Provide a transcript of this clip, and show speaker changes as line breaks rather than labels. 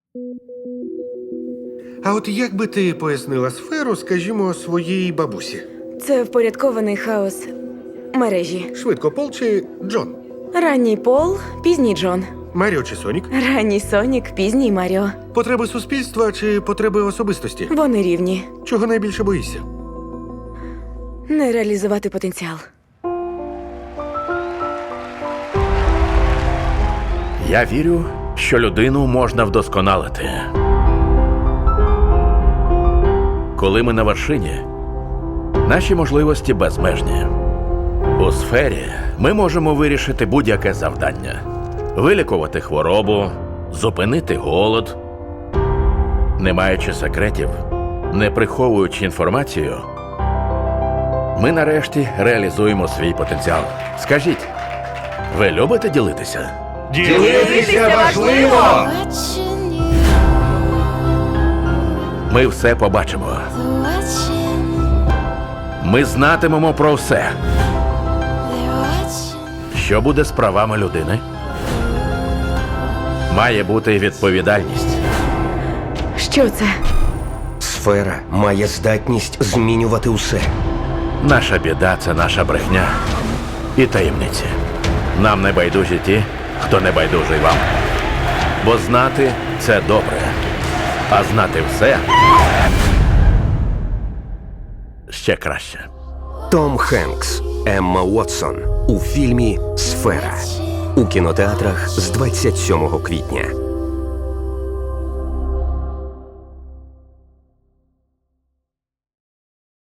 А от як би ти пояснила сферу, скажімо, своїй бабусі?
Це впорядкований хаос мережі.
Швидко Пол чи Джон?
Ранній Пол, пізній Джон.
Маріо чи Сонік?
Ранній Сонік, пізній Маріо.
Потреби суспільства чи потреби особистості?
Вони рівні.
Чого найбільше боїшся?
Не реалізувати потенціал.
Я вірю, що людину можна вдосконалити. Коли ми на вершині, наші можливості безмежні. У сфері ми можемо вирішити будь-яке завдання. Вилікувати хворобу, зупинити голод. Не маючи секретів, не приховуючи інформацію, ми нарешті реалізуємо свій потенціал. Скажіть, ви любите ділитися?
Ділитися важливо!
Ми все побачимо. Ми знатимемо про все. Що буде з правами людини? Має бути відповідальність.
Що це?
Сфера має здатність змінювати усе.
Наша біда – це наша брехня і таємниці. Нам не байдужі ті, хто не байдужий вам. Бо знати – це добре, а знати все – ще краще.
Том Хенкс, Емма Уотсон у фільмі «Сфера» у кінотеатрах з 27 квітня.